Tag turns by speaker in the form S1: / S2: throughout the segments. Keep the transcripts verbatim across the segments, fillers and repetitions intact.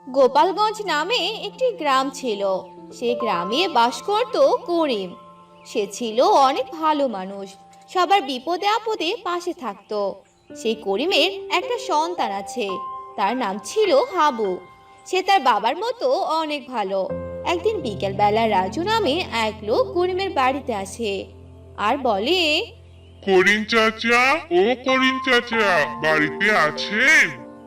S1: গোপালগঞ্জ নামে একটি গ্রাম ছিল। সেই গ্রামে বাস করত করিম। সে ছিল অনেক ভালো মানুষ, সবার বিপদে আপদে পাশে থাকতো। সেই করিমের একটা সন্তান আছে, তার নাম ছিল হাবু। সে তার বাবার মতো অনেক ভালো। একদিন বিকেলবেলা রাজু নামে এক লোক করিমের বাড়িতে আসে আর বলে,
S2: করিম চাচা, ও করিম চাচা, বাড়িতে আছেন?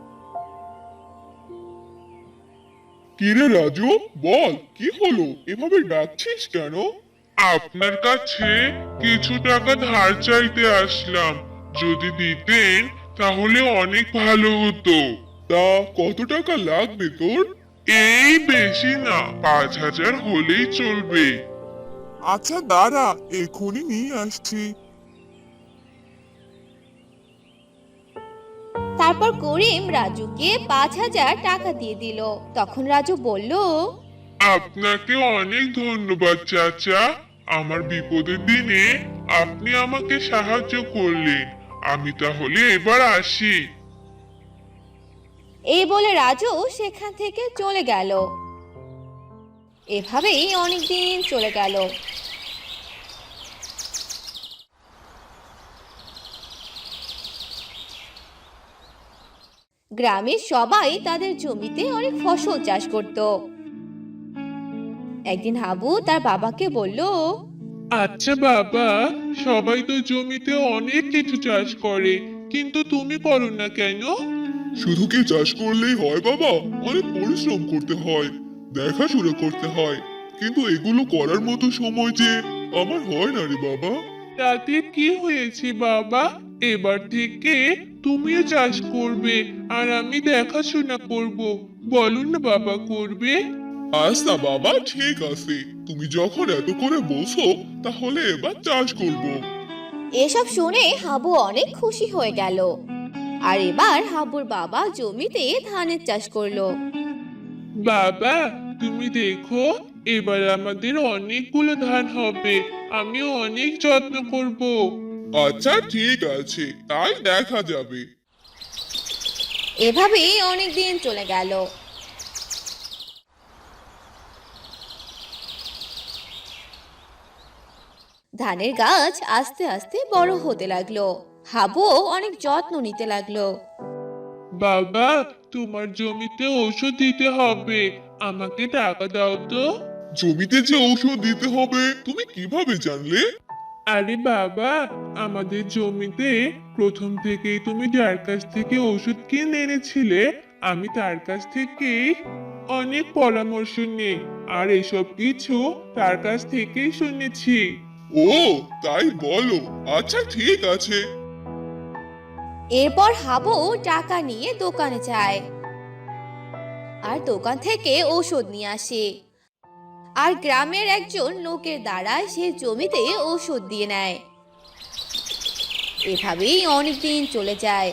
S3: কিরে রাজু, বল কি হলো, এভাবে ডাকছিস কেন?
S2: আপনার কাছে কিছু টাকা ধার চাইতে আসলাম। যদি দিতেন তাহলে অনেক ভালো হতো।
S3: তা কত টাকা লাগবে তোর?
S2: এই বেশি না, পাঁচ হাজার হলেই চলবে।
S3: আচ্ছা দাঁড়া, এক্ষুনি নিয়ে আসছি।
S1: তারপর করিম রাজুকে পাঁচ হাজার টাকা দিয়ে দিল। তখন রাজু বলল,
S2: আপনাকে অনেক ধন্যবাদ চাচা। আমার বিপদের দিনে আপনি আমাকে সাহায্য করলেন। আমি তাহলে এবার আসি।
S1: এই বলে রাজু সেখান থেকে চলে গেল। এভাবেই অনেক দিন চলে গেল। গ্রামের সবাই তাদের জমিতে অনেক ফসল চাষ করত। একদিন হাবু তার বাবাকে বলল,
S2: আচ্ছা বাবা, সবাই তো জমিতে অনেক কিছু চাষ করে, কিন্তু তুমি করো না কেন?
S3: শুধু কি চাষ করলেই হয় বাবা? অনেক পরিশ্রম করতে হয়, দেখাশোনা করতে হয়, কিন্তু এগুলো করার মতো সময় যে আমার হয় না রে বাবা।
S2: তাতে কি হয়েছে বাবা? এবার থেকে তুমিও চাষ করবে আর আমি দেখাশোনা করব। বলুন না বাবা, করবে?
S3: আচ্ছা বাবা, ঠিক আছে, তুমি যখন এত করে বলছো তাহলে এবার চাষ করব।
S1: এসব শুনে হাবু অনেক খুশি হয়ে গেল। আর এবার হাবুর বাবা জমিতে ধানের চাষ করলো।
S2: বাবা, তুমি দেখো, এবার আমাদের অনেকগুলো ধান হবে। আমি অনেক যত্ন করব।
S3: আচ্ছা ঠিক আছে, তাই দেখা যাবে।
S1: এভাবেই অনেক দিন চলে গেল। ধানের গাছ আস্তে আস্তে বড় হতে লাগলো। হাবুও অনেক যত্ন নিতে লাগলো।
S2: বাবা, তোমার জমিতে ওষুধ দিতে হবে। আমাকে টাকা দাও তো।
S3: জমিতে যে ঔষধ দিতে হবে তুমি কিভাবে জানলে?
S2: আরে বাবা, আমাদের জমিতে প্রথম থেকেই তুমি যার কাছ থেকে ওষুধ কিনে এনেছিলে, আমি তার কাছ থেকেই অনেক পরামর্শ নেই আর এসব কিছু তার কাছ থেকেই শুনেছি।
S3: ও, তাই বলো। আচ্ছা ঠিক আছে।
S1: এরপর হাবু টাকা নিয়ে দোকানে যায় আর দোকান থেকে ঔষধ নিয়ে আসে। আর গ্রামের একজন লোকের দ্বারা সে জমিতে ঔষধ দিয়ে নেয়। এভাবেই অনেক দিন চলে যায়।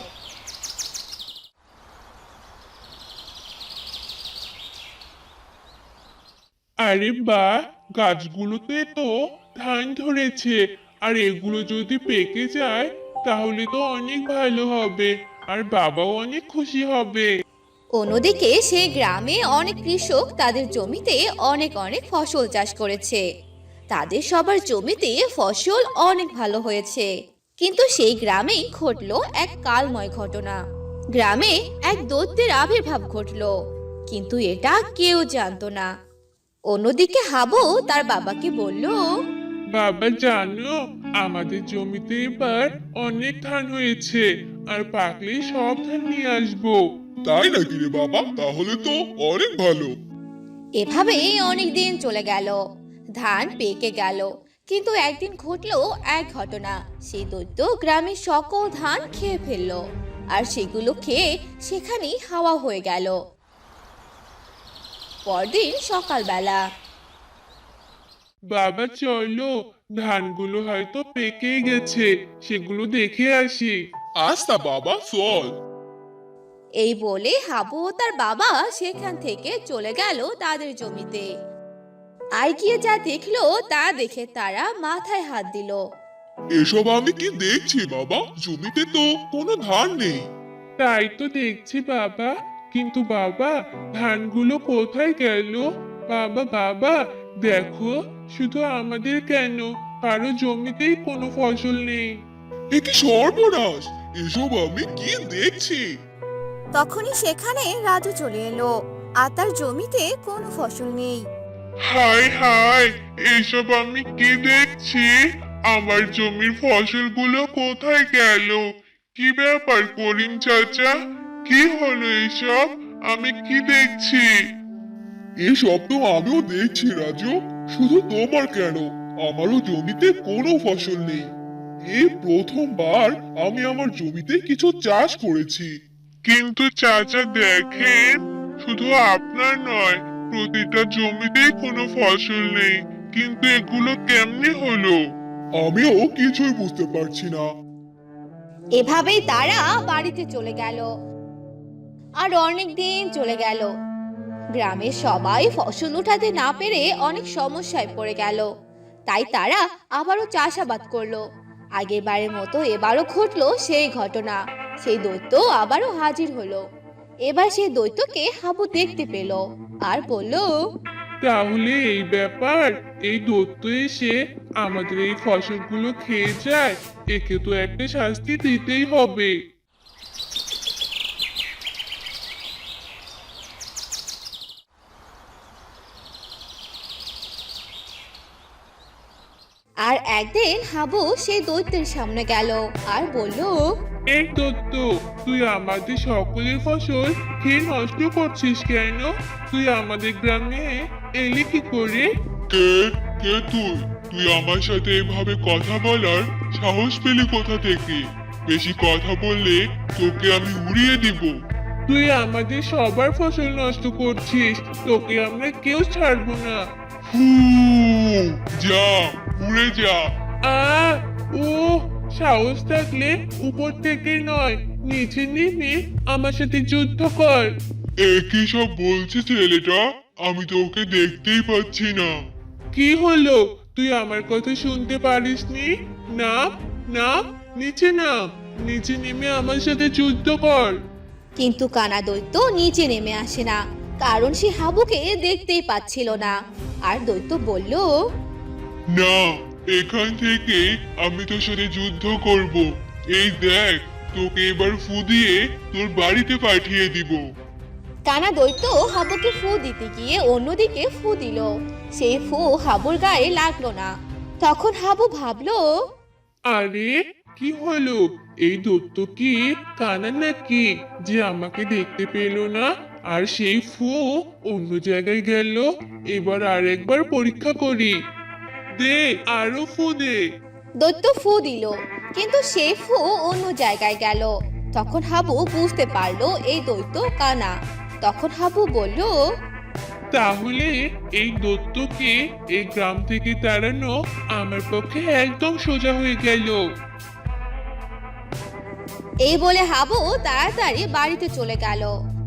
S2: আরে বাহ, গাছগুলোতে তো ধান ধরেছে। আর এগুলো যদি পেকে যায় তাহলে তো অনেক ভালো হবে, আর বাবাও অনেক খুশি হবে।
S1: অন্যদিকে সেই গ্রামে অনেক কৃষক তাদের জমিতে অনেক অনেক ফসল চাষ করেছে। তাদের সবার জমিতে ফসল অনেক ভালো হয়েছে। কিন্তু সেই গ্রামেই ঘটলো এক কালময় ঘটনা। গ্রামে এক দৈত্যের আবির্ভাব ঘটলো, কিন্তু এটা কেউ জানতো না। অন্যদিকে হাবু তার বাবাকে বলল,
S2: বাবা জানো, আমাদের জমিতে এবার অনেক ধান হয়েছে, আর পাকলে সব ধান নিয়ে আসবো।
S3: তাই নাকি রে বাবা? তাহলে তো অনেক ভালো।
S1: এভাবেই অনেক দিন চলে গেল। ধান পেকে গেল। কিন্তু একদিন ঘটলো এক ঘটনা। সেই দৈত্য গ্রামের সকল ধান খেয়ে ফেললো, আর সেগুলো খেয়ে সেখানেই হাওয়া হয়ে গেল। পরদিন সকালবেলা
S2: বাবা চলো, ধানগুলো হয়তো পেকে গেছে, সেগুলো দেখে আসি।
S3: আচ্ছা বাবা, চল।
S1: এই বলে হাবু ও তার বাবা সেখান থেকে চলে গেল তাদের জমিতে। আর গিয়ে যা দেখলো তা দেখে তারা মাথায় হাত দিল।
S3: এসব আমি কি দেখছি বাবা? জমিতে তো কোনো ধান নেই।
S2: তাই তো দেখছি বাবা, কিন্তু বাবা, ধানগুলো কোথায় গেল? বাবা বাবা, দেখো, শুধু আমাদের কেন, কারো জমিতেই কোনো ফসল নেই।
S3: এ কি সর্বনাশ! এসব আমি কি দেখছি?
S1: তখনই সেখানে রাজু চলে এলো, আর তার জমিতে কোনো ফসল নেই।
S2: হায় হায়, এসব আমি কি দেখছি? আমার জমির ফসলগুলো কোথায় গেল? কি ব্যাপার করিম চাচা? কি হলো এসব? আমি কি দেখছি?
S3: এসব তো আমিও দেখছি রাজু। শুধু তোমার কেন, আমারও জমিতে কোনো ফসল নেই। এই প্রথমবার আমি আমার জমিতে কিছু চাষ করেছি।
S2: কিন্তু চাচা দেখেন, শুধু আপনার নয়, প্রতিটা জমিতেই কোনো ফসল নেই। কিন্তু এগুলো কেমনে হলো?
S3: আমিও কিছুই বুঝতে পারছি না।
S1: এভাবেই তারা বাড়িতে চলে গেল। আর অনেক দিন চলে গেল। গ্রামের সবাই ফসল উঠাতে না পেরে অনেক সমস্যায় পড়ে গেল। তাই তারা আবারও চাষাবাদ করলো। আগের বারের মতো এবারও ঘটলো সেই ঘটনা। সেই দৈত্য আবারও হাজির হলো। এবার সেই দৈত্যকে হাবু দেখতে পেল আর বলল,
S2: তাহলে এই ব্যাপার, এই দৈত্য এসে আমাদের এই ফসলগুলো খেয়ে যায়, একে তো একটা শাস্তি দিতেই হবে।
S1: আর একদিন হাবু সেই দৈত্যের সামনে গেল আর বলল,
S2: এই দৈত্য, তুই আমাদের সকলের ফসল খেয়ে নষ্ট করছিস কেন? তুই আমাদের গ্রামে এলি কি করে?
S3: কে কে তুই? তুই আমার সাথে এভাবে কথা বলার সাহস পেলি কোথা থেকে? বেশি কথা বললে তোকে আমি উড়িয়ে দিব।
S2: তুই আমাদের সবার ফসল নষ্ট করছিস, তোকে আমরা কেউ ছাড়বো না।
S3: ফু, যা, উড়ে যা।
S2: আ ও, সাহস থাকলে উপর থেকে নয়, নিচে নেমে আমার সাথে যুদ্ধ কর।
S3: একই সব বলছে ছেলেটা, আমি তো ওকে দেখতেই পাচ্ছি না।
S2: কি হলো, তুই আমার কথা শুনতে পারিসনি? নাম, নাম, নিচে নাম, নিচে নেমে আমার সাথে যুদ্ধ কর।
S1: কিন্তু কানা দৈত্য নিচে নেমে আসে না, কারণ সে হাবুকে দেখতেই পাচ্ছিল না। আর দৈত্য বলল,
S3: না, এখান থেকে আমি তোর সাথে যুদ্ধ করব। এই দেখ, তোকে এবার ফু দিয়ে তোর বাড়িতে পাঠিয়ে দিব।
S1: কানা দৈত্য হাবুকে ফু দিতে গিয়ে অন্যদিকে ফু দিল। সেই ফু হাবুর গায়ে লাগলো না। তখন হাবু ভাবলো,
S2: আরে, কি হলো? এই দত্ত কি কানা নাকি যে আমাকে দেখতে পেল না, আর সেই ফু অন্য জায়গায় গেল? এবার আর একবার পরীক্ষা করি। দে, আরো ফু দে।
S1: দৈত্য ফু দিল, কিন্তু সেই ফু অন্য জায়গায় গেল। তখন হাবু বুঝতে পারলো এই দৈত্য কানা। তখন হাবু বলল,
S2: তাহলে এই দত্তকে এই গ্রাম থেকে তাড়ানো আমার পক্ষে একদম সোজা হয়ে গেল।
S1: এই বলে হাবু তাড়াতাড়ি বাড়িতে চলে গেল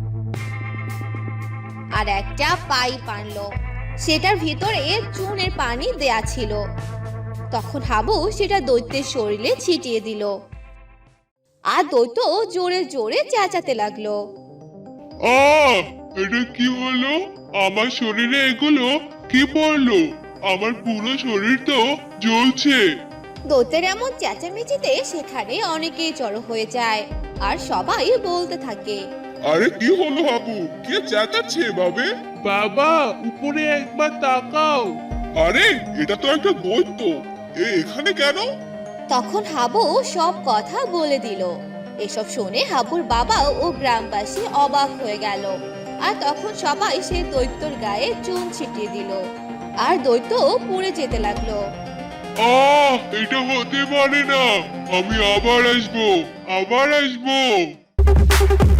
S1: আর একটা পাইপ আনলো। সেটার ভিতরে চুনের পানি দেয়া ছিল। তখন হাবু সেটা দৈত্যের শরীরে ছিটিয়ে দিল। আর দৈত্য জোরে জোরে চেঁচাতে লাগলো।
S3: আহ, এটা কি হলো? আমার শরীরে এগুলো কি পড়লো? আমার পুরো শরীর তো জ্বলছে।
S1: দৈত্যের এমন চেঁচামেচিতে সেখানে অনেকেই জড়ো হয়ে যায় আর সবাই বলতে থাকে,
S3: আরে কি হলো হাবু? কে চেঁচাচ্ছে এভাবে?
S2: বাবা, উপরে একবার তাকাও।
S3: আরে, এটা তো একটা দৈত্য। এ এখানে কেন?
S1: তখন হাবু সব কথা বলে দিল। এসব শুনে হাবুর বাবা ও গ্রামবাসী অবাক হয়ে গেল। আর তখন সবাই সেই দৈত্যর গায়ে চুন ছিটিয়ে দিল। আর দৈত্য পুড়ে যেতে লাগলো।
S3: আহ, এটা হতে পারে না। আমি আবার আসবো, আবার আসবো।